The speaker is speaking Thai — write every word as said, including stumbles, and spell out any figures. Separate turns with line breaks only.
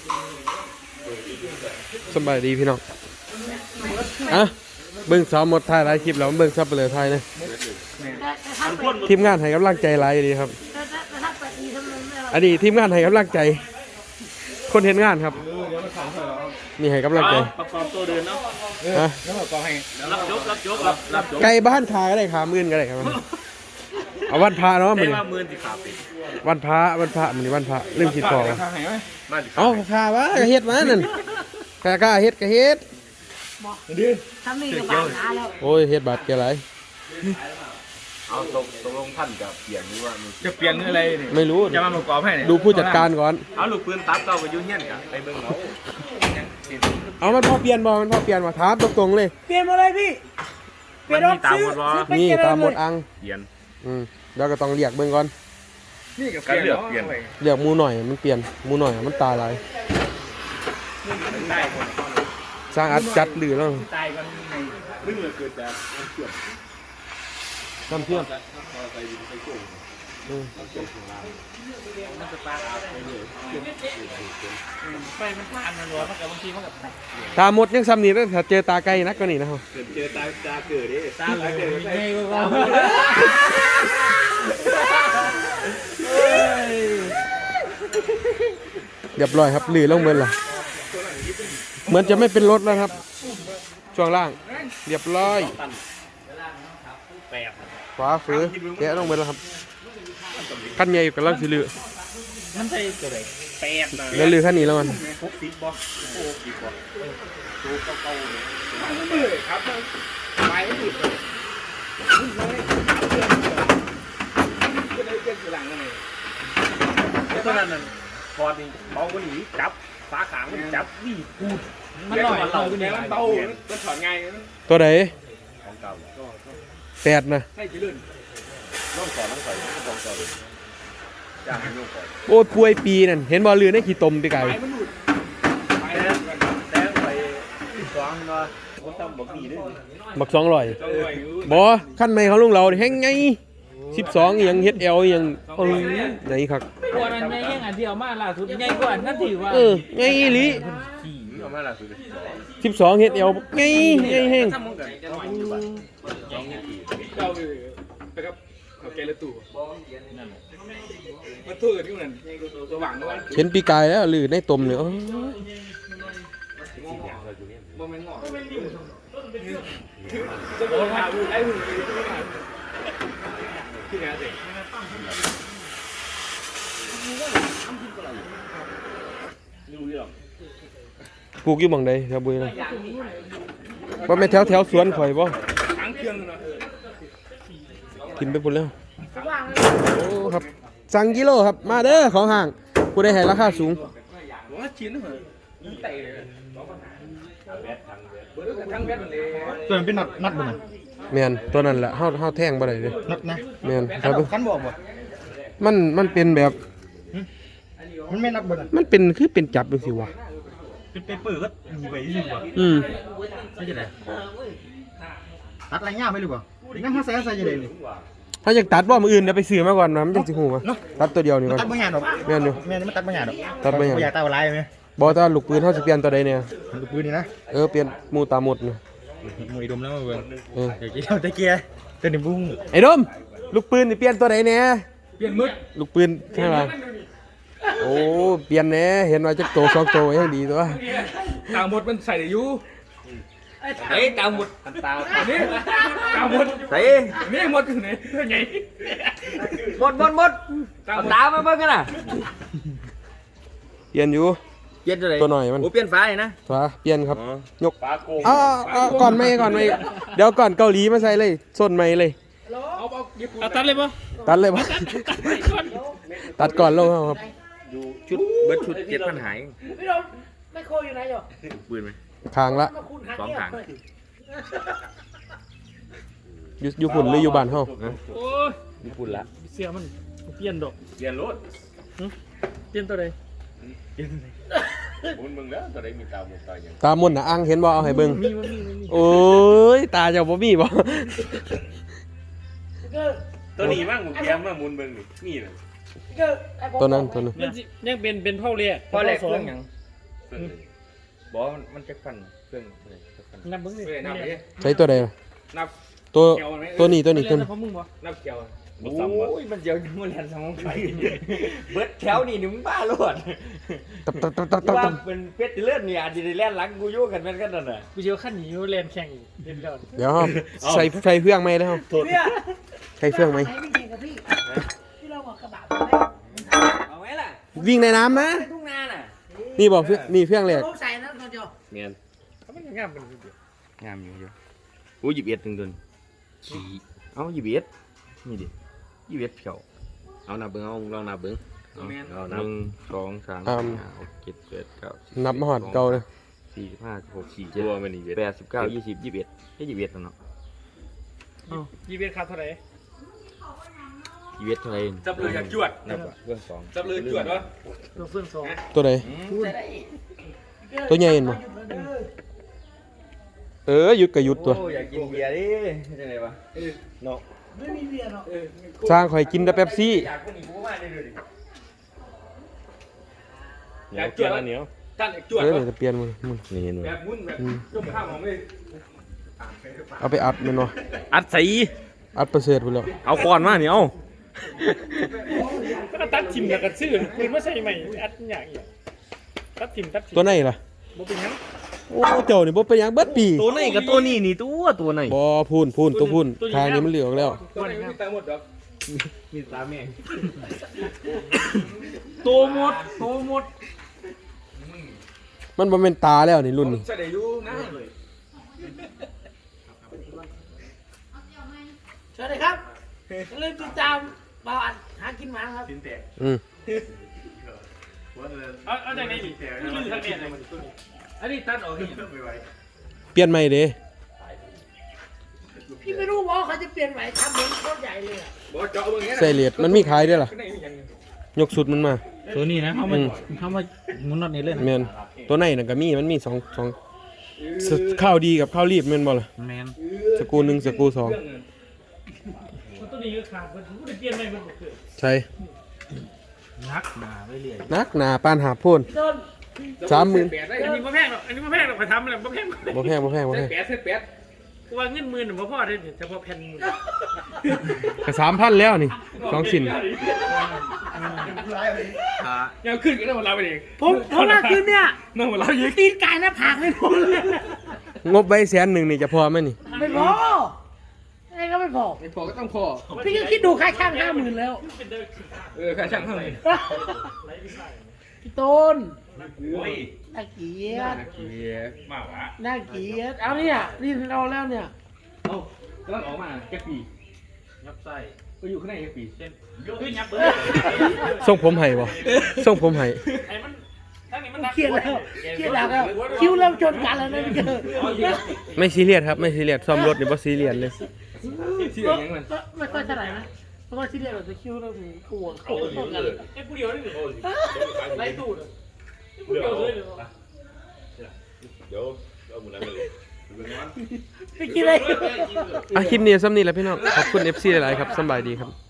สบายดีพี่น้องอ่ะเบิ่งซ้อมหมดถ่ายหลายคลิปแล้วเบิ่งซับไปเลยถ่ายนะทีมงานให้กำลังใจหลายดีครับอันนี้ทีมงานให้กำลังใจคนเห็นงานครับนี่ให้กำลังใจ
ประกอบตัวเดินเนาะ
ฮะ
แล้วประกอบให้รับยกรับยกรับรับยก
ไก่บ้านขาก็ได้ขามื่นก็ได้ครับเอาวันพระเนาะมัน
ว่ามื่นสิขาปิด
วันพระวันพระมันวันพระเรื่องคิดพอเอาขาวะกระเฮ็ดมานั่นกะกะเฮ็ดกะเฮ็ด
ทำนี่ก็บาดหนาแล้ว
โอ้ยเฮ็ดบาดแกไร
เอาตกตกลงท่านจะเปลี่ยนหรือว่าจะเปลี่ยนอะไรนี่
ไม่รู้
จะมาประกอบให้เนี่ย
ดูผู้จัดการก่อน
เอาลูกปืนตัดเราไปยุ่งเงี้ยกันไปเบิ่งเรา
เอามันพอเปลี่ยนบ่มันพอเปลี่ยนมาถามตรงๆเลย
เปลี่ยนมาเลยพี่
เปลี่ยนตามหมดบ่
นี่ตามหมดอัง
เปลี่ยน
อืมแล้วก็ต้องเรียกเบิ่งก่อน
นี่กับการเลือกเปลี่ยน
เรียกมูหน่อยมันเปลี่ยนมูหน่อยมันตาลายสร้างอัดจัดหรือแล้ว
ตายกันในมึงเลยเกิดจาก
น้ำเชื่อม
ไปมันผ่านมันร้อนมันกับบางทีมันกับ
ตาหมดยังซ้ำนี่ถ้าเจอตาไกลนักกว่านี้นะครับ
เจอตาตาเกิดดิตาไหลเกิดไม่ได้ก็
เรียบร้อยครับหรือลงเมือนล่ะเหมือนจะไม่เป็นรถแล้วครับช่วงล่างเรียบร้อยขวาฝือแกะลงเมือนแล้วครับขั้นใหญ่กับล่างสีเหลือง
มันใช่ตัวไหนแปด
แล้วลือขั้นนี้แล้วมัน
หกสิบบอกโอ้สิบบอกตัวเก่าๆเลยครับไปไม่หยุดเลยก็ได้เจ็บหลังนั่นเองเพราะนั้นพอดีเบากว่านี้จับฝาขางมันจับนี่พูดมันหน่อยมันเบามันเบามันถอนง่าย
ตัวไหน
ของเก่า
แปดนะ
ให้จีรุ่นน้องสอนน้องใส่น้องสอนจ้างให้น้องสอน
โอ้ป่วยปีนั่นเห็นบอลเรือในขี้ตมไปไกลบักสองร้อยบอขั้นไม่เขาลุงเราแห้งไงสิบสองยังเฮ็ดเอลยังไหนครับ
กว่านั้นไงยังอันเดียวมาล่าสุดไงกว่านั้นถือว่า
เออไงลิสิบสองเฮ็ดเอลไงไงแห้งเห็นปีกายแล้วหรือในตมเนี่ยปลูกอยู่บังใดแถวบุรีนะว่าไม่แถวแถวสวนข่อยบ่กินไปพุ่นแล้วโอ้ครับสั่งกิโลครับมาเด้อของห่างกูได้ให้ราคาสูง
ตัวนั้นเป็นนัดนัดบ่น่ะ
แม่นตัวนั้นแหละเฮาเฮาแท่งบ่ได้เลย
นัดนะ
แม่นครับ
คันบอกบ่
มันมันเป็นแบบ
มันไม่นัดบ่น่ะ
มันเป็นคือเป็นจับจังซี่วะ
เป็นเปเปอร์ก็มีไว้ซื่อบ่
อืม
ใช่จังได๋ตัดอะไรยากมั้ยหรือบ่งั้นเฮาใส่ใส่จังได๋นี่
ถ้าอยากตัดบ่มื้ออื่นเดี๋ยวไปซื้อมาก่อนนะมันจังสิฮู้ว่าตัดตัวเดียวนี่ก่อน
ตัดบ่ยากดอก
แม่นอยู่
แม่นมันตัดบ่ยากดอก
ตัดบ่ยาก
บ่อยากตัดลายมั้ย
บ่ถ้าลูกปืนเฮาสิเปลี่ยนตัวใดเนี่ย
ลูกปืนนี่นะ
เออเปลี่ยนหมู่ตาหมดนี่
หมู่อีดมแล้วมาเบิ่งเออเดี๋ยวกินเอาตะเกียตัวนี้บุ้ง
ไอ้ดมลูกปืนนี่เปลี่ยนตัวใดเนี่ย
เปลี่ยนมึด
ลูกปืนใช่ป่ะโอ้เปลี่ยนแน่เห็นว่าจักโตสองโตยังดีตัว
ตาหมดมันใส่ได้อยู่เฮ้ยตาหมดตานี่ตาหมด
ใส่
นี่หมดอยู่ไหนตัวใหญ่
หมดหมดหมดตามาเบิ่งกันน่ะ
เปลี่ยนอยู่
เปลี่ยนตัวไหน
ตัวหน่อยมัน
โอ้เปลี่ยนฟ้าเลยนะ
ฟ้าเปลี่ยนครับยกอ้าวก่อนไม่ก่อนไม่เดี๋ยวก่อนเกาหลีมาใส่เลยส้นไม่เลย
เอาตัดเลยปะ
ตัดเลยปะตัดก่อนลงครับ
ชุดเบิร์ดชุดเจ็ดพันหาย
พี่ดมไม่โคอยู่ไหนหรอ
ปืนไหม
คางละ
สองคาง
อยู่อยู่ฝุ่นหรืออยู่บ้านเฮา
โอ้ย
อยู่ฝุ่นละ
เสียมันเปลี่ยนดอก
เปลี่ยนรถ
เปลี่ยนตัวใด
เปลี่ยนตัวใดมึงมึงแล้วตัวใดมีตาหมดตาอย่าง
ตาหมดน่ะอังเห็นบ่เอาให้เบิ่งโอ้ยตาเจ้าบ่มีบ่
ตัวนี้บ้างมึงแกมมามุนเบิ่งนี่นี่น่ะ
ตัวนั้นตัวนั้น
ยังเป็นเป็นพ่อเรียก
พ่อแรกเครื่องหยัง
บอกมันมันจะฟันเครื่องอะไรจะฟัน
นับมึงดิ
เฮ้ยนับไปดิ
ใช้ตัวใดล่ะ
นับ
ตัว
เกี่ยวมันไหม
ตัวนี้ตัวนี้ตัว
เล่น
นี้
เพราะมึงบ่
นับเกี่ยว
โอ้ยมันเดี๋ยวมันเรียนสมองไฟเบิดแถวนี่นี่มึงบ้าโลด
ตับตับตับตับตับ
ว่า
ตับ
เป็นเพชรเลือดเนี่ยอาจจะได้แล่นหลังกูอยู่กันเป็นกันนั่นน่ะ
กูเชียวขั้นหนีเล่นแข่งเล่นเดิน
เดี๋ยวครับใส่ใส่เฟืองไหมแล้ว
เนี่ย
ใส่เฟืองไหม
ไหนไม่เก่งกับพี่ที่เราบอกกระบะไปไหม
เอาไหมล่ะ
วิ่งในน้ำนะ
ไปทุ่งนาน่ะ
นี่บอกเฟืองนี่เฟืองแรก
ผมใส่นะตัวเดียว
เมียน
เขาไม่งามเป็นเดียว
งามอยู่อยู่โอ้ยหยิบเอ็ดถึงตัวนี้ขี่เอาหยิบเอ็ดนี่ดิหยิบเอ็ดเขียวเอานับเบิ้งเอาลองนับเบิ้งเอาเอาหนึ่งสองสามสี่ห้าหกเจ็ดแปดเก้าสิบ
นับมาหอดเก่าเลย
สี่สิบห้าสิบหกสี่เจ็ดแปดสิบเก้ายี่สิบยี่สิบเอ็ดแค่ยี่สิบเอ็ดแล้วเนาะ
ยี่เบียร์คาเท่าไหร่
ยี่สิบเอ็ดเท่าไหร่
จับเลยอยากจวด
นับเรื่องสอง
จับเลยจวดวะ
ตัวเฟื่องสอง
ตัวใด
ใส่ได้
ตัวใหญ่เห็นบ่เออหยุดกับหยุดตัว
โอ้อยากกินเบียร์ดิจะไงวะเนาะ
ไม่มีเบียร์หรอก
สร้างข่อยกินแต่เป๊ปซี่
อยากคนนี้กูมาได้เลยดิ
อยากจวดแล้วเหนียวตั้นอยากจวด
เออ
วะ
เดี๋ยวจะเปลี่ยนมึงมึง
นี่เห็นไหม
แบบมุ้นแบบจุ่มข้าวหอมเลย
เอาไปอัดมันวะ
อัดใส่
อัดประเสริฐไปแล้ว
เอาคอนมาเนี่ยเอา
ก็ตัดทิมแล้วก็ซื้อปืนมาใส่ใหม่อัดอย่างเงี้ยตัดทิมตัดทิม
ตัวไหนล่ะ
บ่เป็นยัง
โอ้เจ้านี่บ่เป็นหยังเบิดปี
ตัวไหนกับตัวนี้นี่ตัวตัวไหน
บ่พูนพูนตัวพูนทางนี้มันเหลืองแล้ว
ตัวนี้ไม่ตายหมดหรอก
มีตาแม่
ตัวหมดตัวหมด
มันบ่แม่นตาแล้วนี่รุ่นนี้
ใส่ได้อยู่นะเลย
สวัสดีครับอย่าลืมติดตามเบาอันหากินหมาครับ
สินแตก
อืม
เอาเอาจากไหนดิลืมทางเนี่ยเลยมันตัวนี้
อันนี้ตัดออกนี่
เปลี่ยนใหม่เด้
พี่ไม่รู้ว่าเขาจะเปลี่ยนไหมทำเหมือนโคตรใหญ่เลยอะ
บอกเจาะเบิ่งเงี้ย
ใส่เหลียดมันมีขายด้วยล่ะ
ข้างในมีอย่าง
ยกสุดมันมา
ตัวนี้นะเขามาเขามาหมุนน็อตนี่เลย
แม่นตัวไหนน่ะก็มีมันมีสองสองสข้าวดีกับข้าวรีบแม่นบ่ล่ะ
แมน
สกรูหนึ่งสกรูสอง
ตัวนี้ก็ขาดมันกูได้เปลี่ยนใหม่มันบ่เกิด
ใช่
นักหนาไปเรื่อย
นักหนาปานหาโพ่น
พี่ต้น
สามหมื่น
แปดได้
อันนี้บ่แพงหรอกอันนี้บ่แพงหรอกไปทำอะไรบ่แพง
บ่แพงบ่แพงบ่
ใส่
แพง
แปดใส่แปด
กูว่าเงินหมื่นบ่พอได้เฉพาะแผ่นมือ
ก็สามพันแล้วนี่สองชิ้น
ยังขึ้นกันได้หมดเราไปเอง
ผมผมว่าคืนเนี่ย
นั่งหมดเราเยอะ
ตีนไก่หน้าผากไม่พอเลย
งบไว้แสนหนึ่งนี่จะพอไหมนี่
ไม่พอไอ้ก็ไม่พอ
ไม่พอก็ต้องพอ
พี่ก็คิดดูค่าช่างห้าหมื่นแล้ว
เออค่าช่างเท่าไหร่
พี่ต้น
โอ้ย
น่าเกลียด
เกียร์มากวะ
น่าเกลียดเอาเนี่ยนี่เราแล้วเนี่ย
เอ้าแล้วออกมาแค่ปี
ยับไส้
ก็อยู่ข้างในแค่ปี
เช่นเฮ้ยยับเบิด
ส่งผมให้บ่ส่งผมให้
ไอ้มันทั้งนี้มันนัก
เครียดแล้วเครียดแล้วคิวเริ่มชนกันแล้วนะพี่เกิด
ไม่ซีเรียสครับไม่ซีเรียสซ่อมรถนี่บ่ซีเรียสเลย
ที่อย่างนั้นมัน
ไม่ค่อยเท่าไหร่นะเพราะว่าที่เรียกเราจะคิวเริ่มกลัวเขาชนกัน
ไอ้ผู้เดียวนี่ไล่ตูดผู้เดียวเลย
เดี๋ยวเอาหมดแล้วเลย
ไม่คิดอะไร
อ่ะคลิปนี้ซ้ำนี่แหละพี่น้องขอบคุณ เอฟ ซี หลายๆครับสำบายดีครับ